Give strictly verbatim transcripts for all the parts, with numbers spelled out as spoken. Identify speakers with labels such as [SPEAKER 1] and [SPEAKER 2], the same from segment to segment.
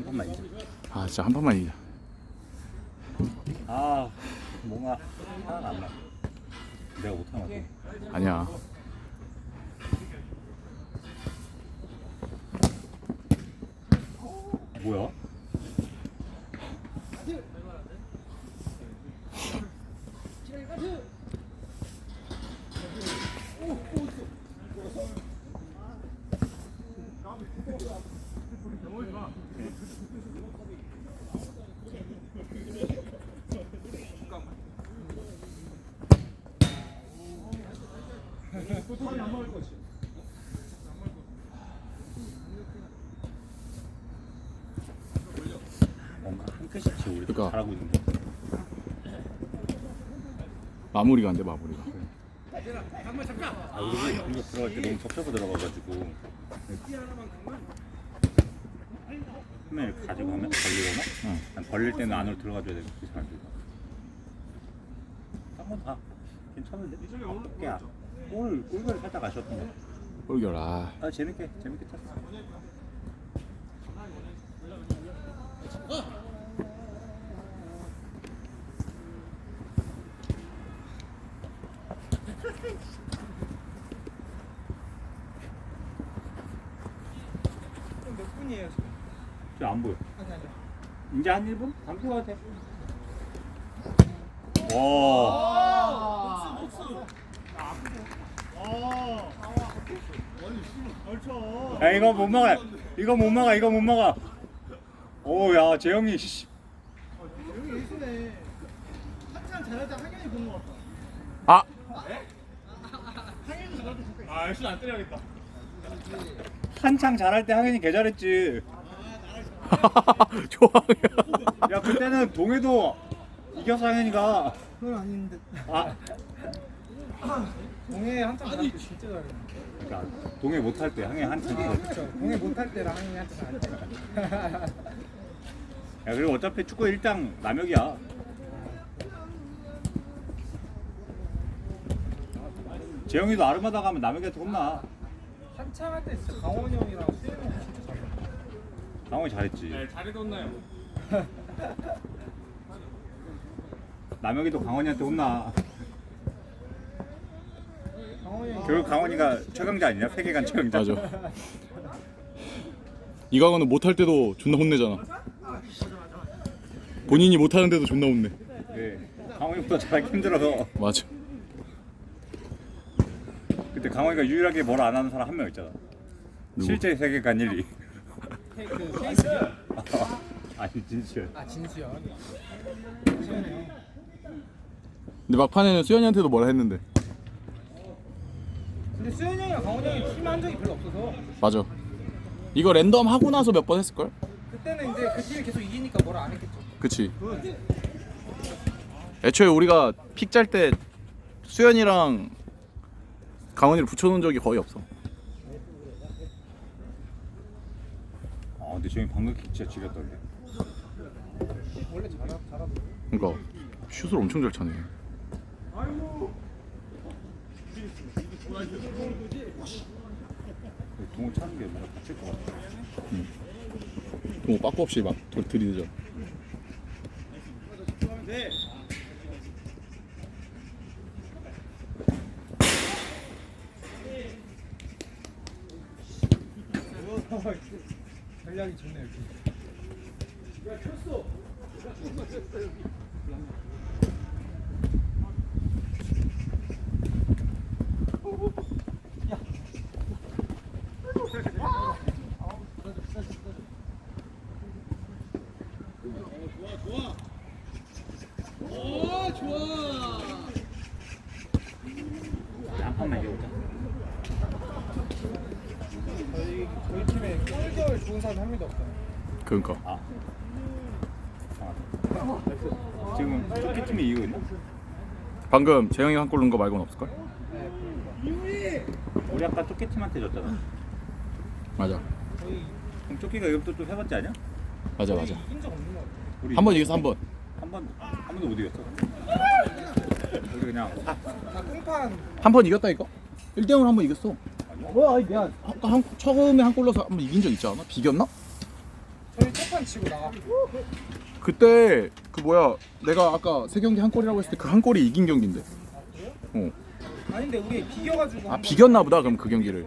[SPEAKER 1] 판만 이겨.
[SPEAKER 2] 아 진짜 한 판만 이기자.
[SPEAKER 1] 아 뭔가 하나가 안 나. 내가 못하는 것 같아.
[SPEAKER 2] 아니야.
[SPEAKER 1] 뭐야? 뭔가 한 끗씩 우리
[SPEAKER 2] 그러니까.
[SPEAKER 1] 잘하고 있는데.
[SPEAKER 2] 마무리가 안 돼 마무리가.
[SPEAKER 1] 아 우리 공격 들어갈 때 너무 접혀서 들어가가지고 화면을 가지고 하면 벌리거나
[SPEAKER 2] 응.
[SPEAKER 1] 난 벌릴 때는 안으로 들어가줘야 되고 그게 잘 안 들어가. 한번 다 괜찮은데? 야, 골 골을 살짝 아쉬웠던 거.
[SPEAKER 2] 꼴결 아.
[SPEAKER 1] 아 재밌게 재밌게 쳤어.
[SPEAKER 3] 몇 분이에요 지금?
[SPEAKER 1] 지금 안 보여.
[SPEAKER 3] 아니 아니.
[SPEAKER 1] 이제 한 일 분? 담고 가도 돼. 와. 야 이거 못 막아. 이거 못 막아. 이거 못 막아. 오야 재영이 씨.
[SPEAKER 3] 여기 예수네. 한참 잘할 때 학연이 본 것 같다.
[SPEAKER 2] 아.
[SPEAKER 3] 학연이 잘할 때 잠깐.
[SPEAKER 4] 아, 열심히 안 때려야겠다.
[SPEAKER 1] 한창 잘할 때 하긴이 개 잘했지.
[SPEAKER 2] 좋아.
[SPEAKER 1] 야 그때는 동해도 이겨서 하긴이가.
[SPEAKER 3] 그건 아닌데.
[SPEAKER 1] 아.
[SPEAKER 3] 동해 한참 잘할 때 진짜 잘해.
[SPEAKER 1] 그러니까 동해 못할 때 항해 한창
[SPEAKER 3] 아
[SPEAKER 1] 잘했지.
[SPEAKER 3] 그렇죠. 동해 못할 때랑 학연이 한참 잘할 때.
[SPEAKER 1] 야 그리고 어차피 축구 일당 남혁이야. 재영이도 아르마다 가면 남혁이한테 혼나.
[SPEAKER 3] 한참 할 때 진짜 강원이 형이랑 수현이 형 진짜 잘해.
[SPEAKER 1] 강원이 잘했지.
[SPEAKER 4] 네, 잘해뒀나요?
[SPEAKER 1] 남혁이도 강원이한테 혼나.
[SPEAKER 3] 강원이 형.
[SPEAKER 1] 결국 강원이가 최강자 아니냐? 세계관 최강자.
[SPEAKER 2] 맞아. 이강호는 못할 때도 존나 혼내잖아. 본인이 못하는데도 존나 혼내.
[SPEAKER 1] 네. 강원이보다 잘하기 힘들어서.
[SPEAKER 2] 맞아.
[SPEAKER 1] 그때 강원이가 유일하게 뭘 안 하는 사람 한 명 있잖아.
[SPEAKER 2] 누구?
[SPEAKER 1] 실제 세계관 일 위.
[SPEAKER 3] 그 케이스야.
[SPEAKER 1] 아니 진실.
[SPEAKER 3] 아 진수야. 수현이 형.
[SPEAKER 2] 근데 막판에는 수현이한테도 뭐라 했는데.
[SPEAKER 3] 근데 수현이 형이랑 강원이 형이 팀 한 적이 별로 없어서
[SPEAKER 2] 맞아. 이거 랜덤 하고 나서 몇 번 했을걸?
[SPEAKER 3] 그때는 이제 그 팀이 계속 이기니까 뭐라 안 했겠죠.
[SPEAKER 2] 그치. 애초에 우리가 픽 짤 때 수현이랑 강원이를 붙여놓은 적이 거의 없어.
[SPEAKER 1] 아 근데 재영이 방금 킥 진짜 지렸던데.
[SPEAKER 3] 원래 잘하 잘하고.
[SPEAKER 2] 그러니까 슛을 엄청 잘 차네.
[SPEAKER 1] 동호 차는 게 뭔가 다칠 것 같아.
[SPEAKER 2] 뭐 빠꾸 없이 막 들- 들이대죠.
[SPEAKER 3] 전략이 좋네 여기.
[SPEAKER 1] 한 판만 이겨보자.
[SPEAKER 3] 저희 저희 팀에 꿀결 좋은 사람 한 명도 없어요.
[SPEAKER 2] 그러니까.
[SPEAKER 1] 아. 아. 지금 토끼 팀이 이기고 있나?
[SPEAKER 2] 방금 재영이가 한 골 넣은 거 말고는 없을걸?
[SPEAKER 3] 네.
[SPEAKER 1] 우리 아까 토끼 팀한테 졌잖아.
[SPEAKER 2] 맞아.
[SPEAKER 3] 저희
[SPEAKER 1] 그럼 토끼가 이것도 좀 해봤지 아니야?
[SPEAKER 2] 맞아 맞아.
[SPEAKER 3] 이긴 적 없는 거 같아요.
[SPEAKER 1] 우리
[SPEAKER 2] 한 번 이겼어 한 번.
[SPEAKER 1] 한 번, 한 번도 못 이겼어. 우리 그냥 사.
[SPEAKER 3] 다 꽁판.
[SPEAKER 2] 한 번 이겼다 이거? 일 대 영으로 한 번 이겼어.
[SPEAKER 3] 뭐야? 아니 미안.
[SPEAKER 2] 아까 한 처음에 한 골 넣어서 한 번 이긴 적 있지 않아? 비겼나?
[SPEAKER 3] 저희 첫 한판 치고 나가.
[SPEAKER 2] 그때 그 뭐야 내가 아까 세 경기 한 골이라고 했을 때 그 한 골이 이긴 경기인데. 어.
[SPEAKER 3] 아닌데 우리 비겨가지고.
[SPEAKER 2] 아
[SPEAKER 3] 한번-
[SPEAKER 2] 비겼나 보다 그럼 그 경기를.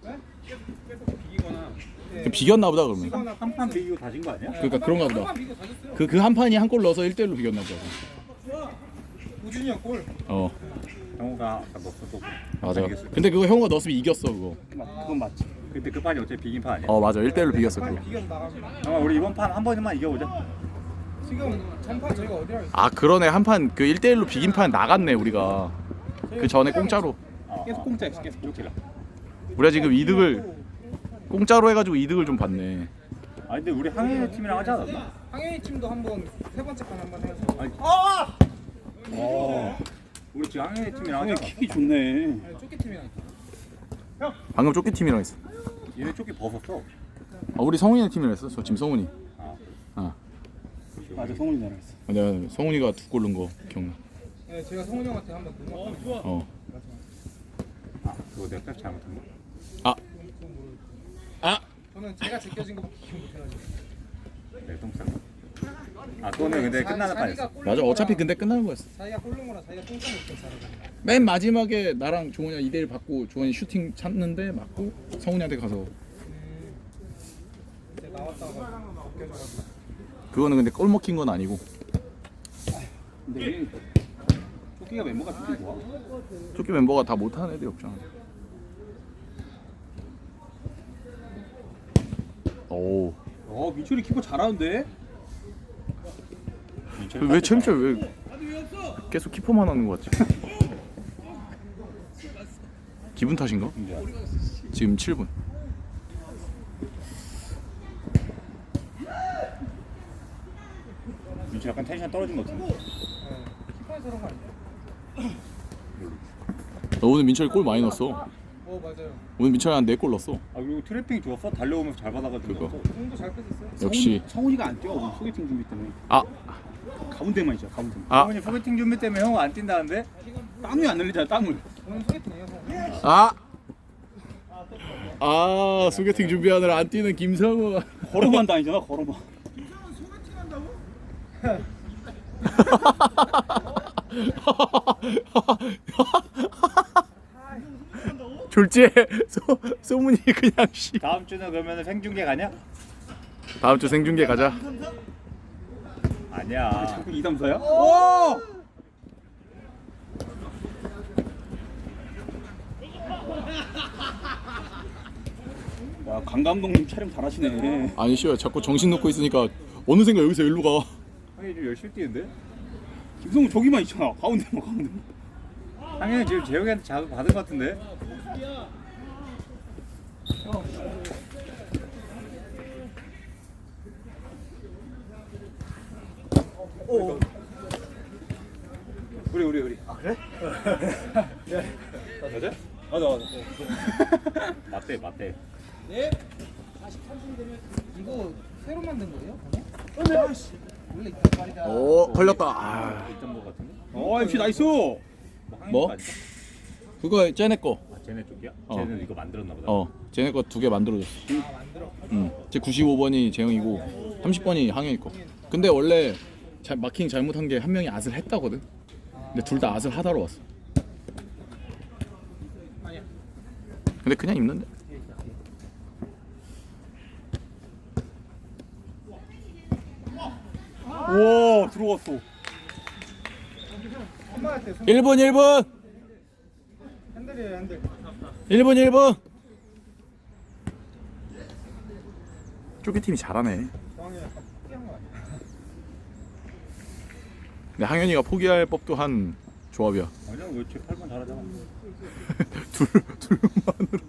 [SPEAKER 1] 비기거나
[SPEAKER 3] 네.
[SPEAKER 2] 그 비겼나 보다 그러면.
[SPEAKER 3] 비거나
[SPEAKER 1] 한 판 비기고 다진 거 아니야?
[SPEAKER 2] 그러니까 그런가 보다.
[SPEAKER 3] 한판 비고 다졌어요.
[SPEAKER 2] 그 그 한 판이 한 골 넣어서 일 대 일로 비겼나 보다.
[SPEAKER 3] 우준이 형 골.
[SPEAKER 2] 어.
[SPEAKER 1] 형우가 아까 넣었어 또.
[SPEAKER 2] 맞아.
[SPEAKER 1] 이겼어.
[SPEAKER 2] 근데 그거 형우가 넣었으면 이겼어 그거.
[SPEAKER 1] 그건 맞지. 그때 그 판이 어차피 비긴 판 아니야?
[SPEAKER 2] 어 맞아 일 대 일로 비겼어
[SPEAKER 3] 빨리
[SPEAKER 2] 그거.
[SPEAKER 3] 비겨서 나갑니다.
[SPEAKER 1] 형아 우리 이번 판 한 번만 이겨보자.
[SPEAKER 3] 지금 전판 저희가 어디랑 있어?
[SPEAKER 2] 아 그러네 한 판 그 일 대 일로 비긴 판 나갔네 우리가. 그 전에 공짜로.
[SPEAKER 1] 어, 계속 공짜였어 계속 공짜.
[SPEAKER 2] 우리가 지금 이득을 공짜로 해가지고 이득을 좀 봤네.
[SPEAKER 1] 아 근데 우리 항해 팀이랑 하지 않았나?
[SPEAKER 3] 항해이 팀도 한번 세 번째 판 한번 해서.
[SPEAKER 1] 아니.
[SPEAKER 3] 아!
[SPEAKER 1] 어. 우리 지금 항해 팀이랑 하지 않았나?
[SPEAKER 4] 킥이 좋네.
[SPEAKER 3] 아니, 쪼끼 팀이랑 있다.
[SPEAKER 2] 방금 쪼끼 팀이랑 했어.
[SPEAKER 1] 얘네 조끼 벗었어.
[SPEAKER 2] 아 우리 성훈이네 팀이랑 했어. 저 지금 성훈이.
[SPEAKER 1] 아.
[SPEAKER 2] 아
[SPEAKER 4] 맞아, 성훈이 나랑 했어.
[SPEAKER 2] 내가 성훈이가 두 골 넣은 거 기억나.
[SPEAKER 3] 네, 제가 성훈이 형한테 한번 어, 좋아.
[SPEAKER 2] 어.
[SPEAKER 1] 아 그거 내가 딱 잘못한 거.
[SPEAKER 2] 아. 아.
[SPEAKER 3] 저는 제가 제껴진 거밖에 기억 못 해가지고.
[SPEAKER 1] 내 똥싸. 아 그거는 근데 끝나는 판이었어.
[SPEAKER 2] 맞아 어차피 근데 끝나는 거였어.
[SPEAKER 3] 자기가 골른 거라 자기가 똥싸 못해 잘하고.
[SPEAKER 2] 맨 마지막에 나랑 조원이가 이 대 일 받고 조원이 슈팅 찾는데 맞고 성훈이한테 가서
[SPEAKER 3] 이제 나왔다가 벗겨져가지고.
[SPEAKER 2] 그거는 근데 골 먹힌 건 아니고
[SPEAKER 4] 근데 얘 토끼가 멤버가 되게 좋아.
[SPEAKER 2] 쪼끼 멤버가 다 못하는 애들이 없잖아. 오.
[SPEAKER 4] 어, 민철이 키퍼 잘하는데?
[SPEAKER 2] 왜 챔철 왜 계속 키퍼만 하는 거 같지? 기분 탓인가? 지금 칠 분.
[SPEAKER 1] 민철 약간 텐션 떨어진 것 같은데.
[SPEAKER 3] 키퍼에서 그런 거 아니야?
[SPEAKER 2] 너 오늘 민철이 골 많이 넣었어.
[SPEAKER 3] 어 맞아요.
[SPEAKER 2] 오늘 민철이 한 네 골 넣었어.
[SPEAKER 1] 아 그리고 트래핑 좋았어. 달려오면서 잘 받아가지고.
[SPEAKER 2] 그거.
[SPEAKER 1] 넣었어.
[SPEAKER 3] 공도 잘 뺐었어요.
[SPEAKER 2] 역시.
[SPEAKER 4] 성훈이가 안 뛰어. 오늘 소개팅 준비 때문에.
[SPEAKER 2] 아.
[SPEAKER 4] 가운데만 있잖아, 가운데만.
[SPEAKER 2] 아.
[SPEAKER 1] 성훈이 소개팅 준비 때문에 형 안 뛴다는데?
[SPEAKER 4] 땀이 안 흘리잖아, 땀을.
[SPEAKER 3] 오늘 소개팅이에요. 형.
[SPEAKER 2] 아. 아 소개팅 준비하느라 안 뛰는 김성우.
[SPEAKER 4] 걸어만 다니잖아, 걸어만.
[SPEAKER 2] 졸지에 소 소문이 그냥 씨.
[SPEAKER 1] 다음 주는 그러면 생중계 가냐?
[SPEAKER 2] 다음 주 생중계 가자.
[SPEAKER 1] 아니야.
[SPEAKER 4] 이, 삼, 사야? 오! 야, 강 감독님 촬영 잘하시네.
[SPEAKER 2] 아니 씨발 자꾸 정신 놓고 있으니까 어느샌가 여기서 일로 가.
[SPEAKER 1] 형이 좀 열심히 뛰는데?
[SPEAKER 4] 김성훈 저기만 있잖아, 가운데만, 가운데만.
[SPEAKER 1] 상현이 지금 재영이한테 자극 받은 것 같은데? 오. 우리 우리 우리. 아 그래? 네. 맞아? 맞아 맞아. 맞대 맞대.
[SPEAKER 3] 네. 이거 새로 만든 거예요? 방금? 원래 있단 말이다.
[SPEAKER 2] 오 걸렸다. 아.
[SPEAKER 1] 일점 거 같은데?
[SPEAKER 4] 어, 엠씨 나이스!
[SPEAKER 1] 뭐?
[SPEAKER 2] 뭐? 그거 쟤네 거.
[SPEAKER 1] 아 쟤네 쪽이야?
[SPEAKER 2] 어.
[SPEAKER 1] 쟤는 이거 만들었나 보다.
[SPEAKER 2] 어 쟤네 거 두 개 만들어줬어.
[SPEAKER 3] 아 만들어.
[SPEAKER 2] 응. 제 구십오 번이 재영이고 삼십 번이 항현이 거. 근데 원래 자, 마킹 잘못한 게 한 명이 앗을 했다거든. 근데 둘 다 앗을 하다로 왔어.
[SPEAKER 3] 아니야.
[SPEAKER 2] 근데 그냥 입는데.
[SPEAKER 4] 와, 들어왔어.
[SPEAKER 3] 한번할 때 손.
[SPEAKER 2] 일 분 일 분
[SPEAKER 3] 핸들이에요 핸들.
[SPEAKER 2] 일 분 일 분. 쪼끼 팀이 잘하네.
[SPEAKER 3] 정황이 약간 포기한 거 아니야?
[SPEAKER 2] 근데 항현이가 포기할 법도 한 조합이야.
[SPEAKER 1] 아니야 왜쟤 팔 번 잘하잖아.
[SPEAKER 2] 둘 둘만으로.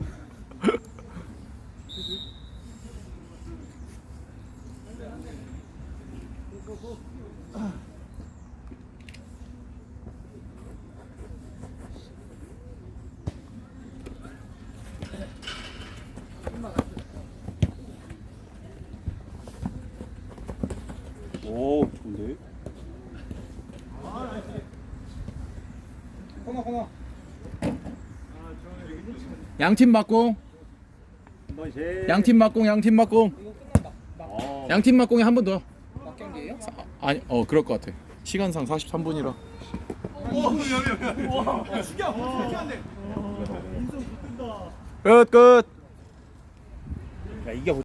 [SPEAKER 4] 오, 좋은데?
[SPEAKER 3] 코너 코너.
[SPEAKER 2] 양팀 맞공.
[SPEAKER 1] 한 번씩.
[SPEAKER 2] 양팀 맞공. 양팀 맞공.
[SPEAKER 3] 이거 끝난다. 막.
[SPEAKER 1] 아,
[SPEAKER 2] 양 팀 막공에 한 번 더.
[SPEAKER 3] 막경기예요?
[SPEAKER 2] 아니 어 그럴 것 같아. 시간상 사십삼 분이라.
[SPEAKER 3] 와 죽여. 어떻게 안 돼? 인성 붙는다.
[SPEAKER 2] 끝 끝.
[SPEAKER 4] 야 이게